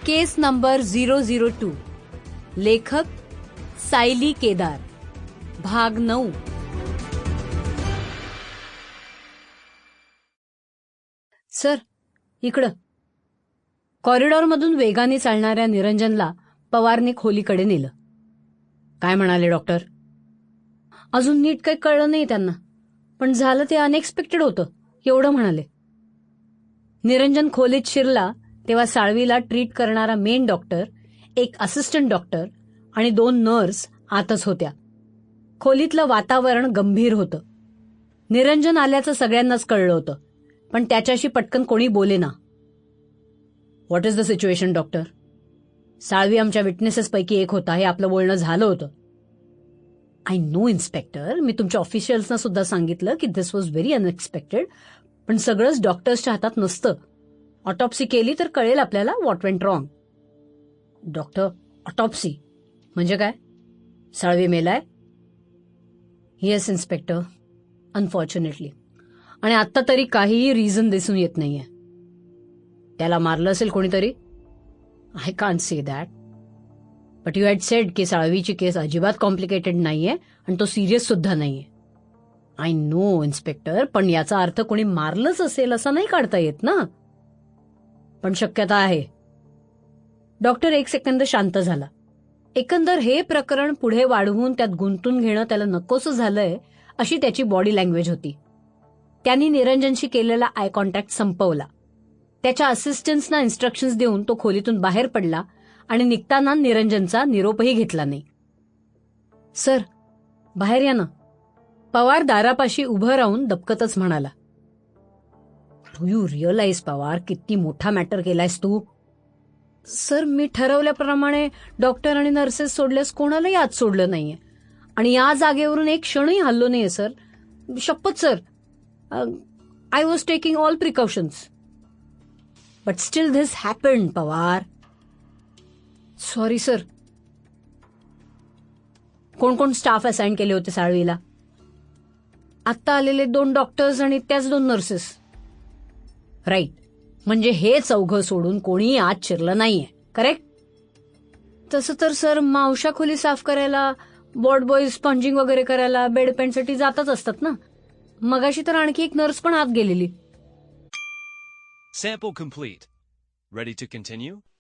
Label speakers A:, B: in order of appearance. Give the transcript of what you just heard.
A: केस number 002 लेखक सायली केदार भाग 9। Sir इकडं। कॉरिडॉरमधून वेगाने चालणाऱ्या निरंजनला पवारने खोलीकडे नेलं। काय म्हणाले डॉक्टर? अजून नीट काही कळलं नाही त्यांना, पण झालं ते अनएक्सपेक्टेड होतं एवढं म्हणाले। निरंजन खोलीत शिरला तेव्हा साळवीला ट्रीट करणारा मेन डॉक्टर, एक असिस्टंट डॉक्टर आणि 2 नर्स आतच होत्या। खोलीतलं वातावरण गंभीर होतं। निरंजन आल्याचं सगळ्यांनाच कळलं होतं, पण त्याच्याशी पटकन कोणी बोलेना। What is the situation doctor? Salvi आमच्या विटनेसेसपैकी एक होता, हे आपलं बोलणं झालं होतं। आय नो इन्स्पेक्टर, मी तुमच्या ऑफिशियल्सना सुद्धा सांगितलं की दिस वॉज व्हेरी अनएक्सपेक्टेड, पण सगळंच डॉक्टर्सच्या हातात नसतं। ऑटोप्सी केली तर कळेल आपल्याला what went wrong. Doctor, autopsy म्हणजे काय? साळवी मेलाय? येस इन्स्पेक्टर, अनफॉर्च्युनेटली, आणि आत्ता तरी काहीही रिझन दिसून येत नाहीये। त्याला मारलं असेल कोणीतरी? I can't say that, but you had said की साळवीची केस अजिबात कॉम्प्लिकेटेड नाहीये आणि तो सिरियस सुद्धा नाहीये। आय नो इन्स्पेक्टर, पण याचा अर्थ कोणी मारलंच असेल असं नाही काढता येत ना, पण शक्यता आहे। डॉक्टर एक सेकंद शांत झाला। एकंदर हे प्रकरण पुढे वाढवून त्यात गुंतून घेणं त्याला नकोसं झालंय अशी त्याची बॉडी लँग्वेज होती। त्यांनी निरंजनशी केलेला आय कॉन्टॅक्ट संपवला। त्याच्या असिस्टंट्सना इन्स्ट्रक्शन्स देऊन तो खोलीतून बाहेर पडला आणि निघताना निरंजनचा निरोपही घेतला नाही। सर बाहेर या ना, पवार दारापाशी उभं राहून दबकतच म्हणाला। डू यू रिअलाइज पवार, किती मोठा मॅटर केलायस तू? सर मी ठरवल्याप्रमाणे डॉक्टर आणि नर्सेस सोडल्यास कोणालाही आत सोडलं नाहीये आणि या जागेवरून एक क्षणही हल्लो नाहीये सर, शपथ sir. I was taking all precautions, but still this happened Pawar. Sorry sir. कोण कोण स्टाफ असाइन केले होते साळवीला? आत्ता आलेले 2 डॉक्टर्स आणि त्याच 2 नर्सेस। राईट, म्हणजे हे चौघं सोडून कोणीही आत शिरलं नाहीये, करेक्ट? तसं तर सर मावशा खोली साफ करायला, वॉर्ड बॉयज स्पंजिंग वगैरे करायला बेड पेंटसाठी जातच असतात ना। मगाशी तर आणखी एक नर्स पण आत गेलेली।
B: Sample complete. Ready to continue?